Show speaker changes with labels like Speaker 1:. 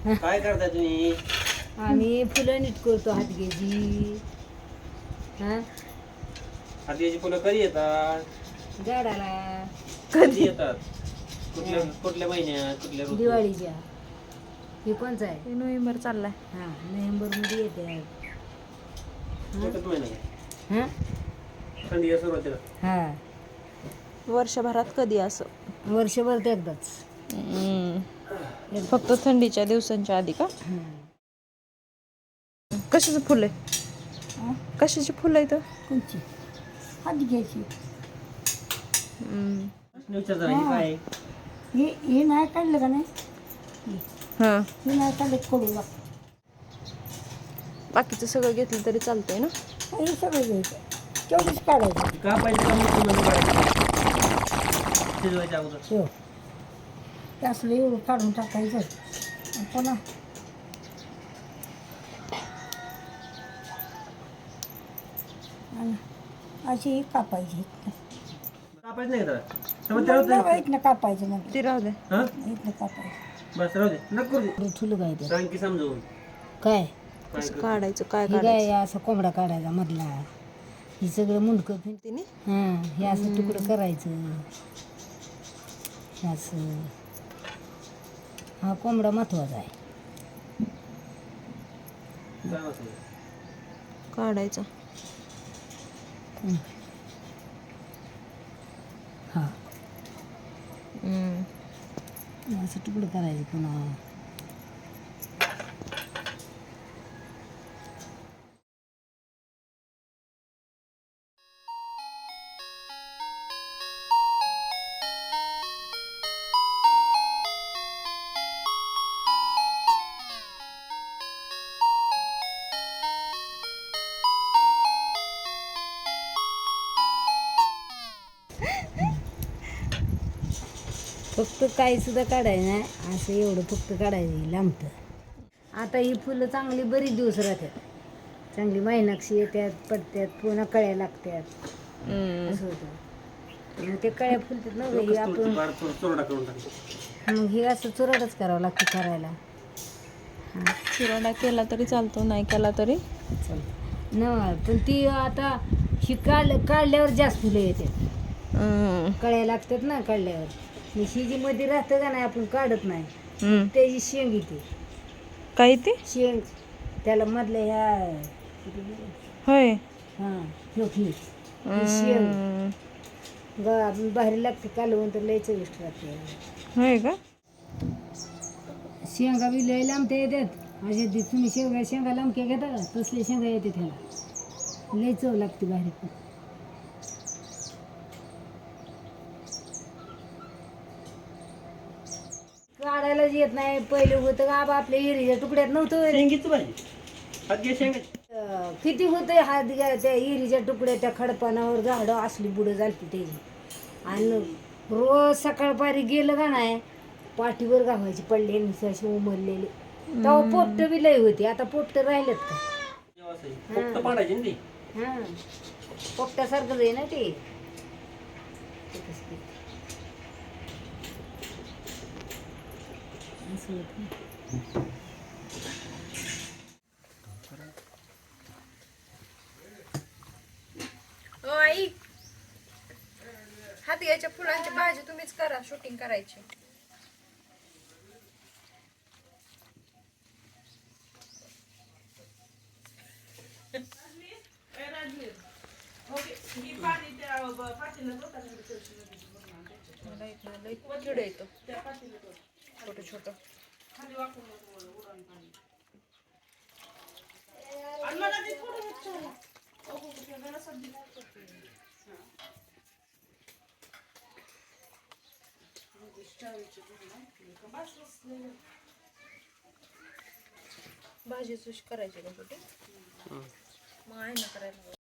Speaker 1: काय करताय तुम्ही?
Speaker 2: आम्ही फुलं नीट करतो हातगेची. हा
Speaker 1: हातीची फुलं कधी येतात?
Speaker 2: झाडाला
Speaker 1: कधी येतात? कुठल्या महिन्यात, कुठल्या ऋतूत?
Speaker 2: दिवाळीच्या. हे कोणचं आहे?
Speaker 3: नोव्हेंबर चाललाय.
Speaker 2: हा नोव्हेंबरमध्ये येते.
Speaker 1: एकच महिना आहे.
Speaker 2: हां
Speaker 1: थंडीच्या सुरुवातीला.
Speaker 2: हां
Speaker 3: वर्षभरात कधी असं?
Speaker 2: वर्षभर ते एकदाच.
Speaker 3: फक्त थंडीच्या दिवसांच्या आधी का? कशाचं फुल आहे? कशाची फुलं आहे तर?
Speaker 2: कोणची? हातगेची.
Speaker 1: विचार जरा, हे काय आहे?
Speaker 2: हे नाही काढलं का नाही?
Speaker 3: हां,
Speaker 2: हे नाही काढलं कडू लागतं.
Speaker 3: बाकीचं सगळं घेतलं तरी चालतंय ना?
Speaker 2: हे सगळं घ्यायचं. तेवढंच काढायचं.
Speaker 1: कापायचं का मोठं म्हणून काढायचं? शिजवायच्या अगोदर.
Speaker 2: हो ते असलं एवढं काढून टाकायचं आणि पुन्हा आणि अशी कापायची.
Speaker 1: कापायचं नाही का जरा? समज त्याला होतं.
Speaker 2: इथनं कापायचं मग
Speaker 3: ती राहू दे.
Speaker 1: हा?
Speaker 2: इथनं कापायचं.
Speaker 1: बस राहू दे. नको करू दे.
Speaker 2: ठुलं काय ते?
Speaker 1: सांग की समजवून.
Speaker 2: काय
Speaker 1: काय
Speaker 3: कसं
Speaker 1: कर.
Speaker 3: काढायचं, काय
Speaker 2: हे काय
Speaker 3: काढायचं?
Speaker 2: असं कोंबडा काढायचा मधला. हे सगळं मुंडकं
Speaker 3: तिने
Speaker 2: हां हे असं तुकडं करायचं. हे असं हा कोंबडा महत्वाचा आहे.
Speaker 1: काय वाटतं?
Speaker 3: काढायचं.
Speaker 2: हा
Speaker 3: हम्म.
Speaker 2: असं तुकडं करायचं पुन्हा. फक्त काही सुद्धा काढायचं नाही. असं एवढं फक्त काढायचं लांबतं. आता ही फुलं चांगली बरीच दिवस राहतात. चांगली महिनाक्षी येतात, पडतात, पुन्हा कळ्या लागतात. असं होतं. मग ते कळ्या फुलतात ना हे आपण.
Speaker 1: बार चोरडा करून टाक.
Speaker 2: मग हे असं चुराडच करावं लागतं करायला.
Speaker 3: चुराडा केला तरी चालतो, नाही केला तरी
Speaker 2: चालतं न पण ती आता ही काढल्यावर जास्त फुलं येतात. कळ्या लागतात ना काढल्यावर. ही जी मध्ये राहतं का नाही आपण काढत नाही त्याची शेंग येते.
Speaker 3: काय ते?
Speaker 2: शेंग त्याला मधल्या ह्या
Speaker 3: होय.
Speaker 2: हां ही शेंग बाहेर लागते कालवून तर लय चविष्ट राहते.
Speaker 3: होय का?
Speaker 2: शेंगा बी लय लांबत्या येतात. असे तुम्ही शेंगा लांबक्या घेता का तसले शेंगा येते त्याला. लय चव लागते बाहेर पण. काढायलाच येत नाही. पहिले होतं का बा आपल्या हिरीच्या तुकड्यात नव्हतं.
Speaker 1: शेंगीची भाजी. हात घे शेंगाची.
Speaker 2: किती होतं हात घ्या त्या हिरीच्या तुकड्या त्या खडपानावर झाडं असली बुडं झालती त्याची. आणि रोज सकाळपारी गेलं का नाही पाठीवर गावायची पडलेली अशी उमरलेली. तेव्हा पोपटं बी लय होती. आता पोपटं राहिलेत का?
Speaker 1: फक्त पाडायची ना ती.
Speaker 2: हां पोपट्यासारखंच आहे ना ते. असं होतं.
Speaker 3: आई हातग्याच्या फुलांची भाजी तुम्हीच करा, शूटिंग करायची. किड येतो छोट छोट. भाजी सुश करायची का छोटी? मग आहे ना करायला.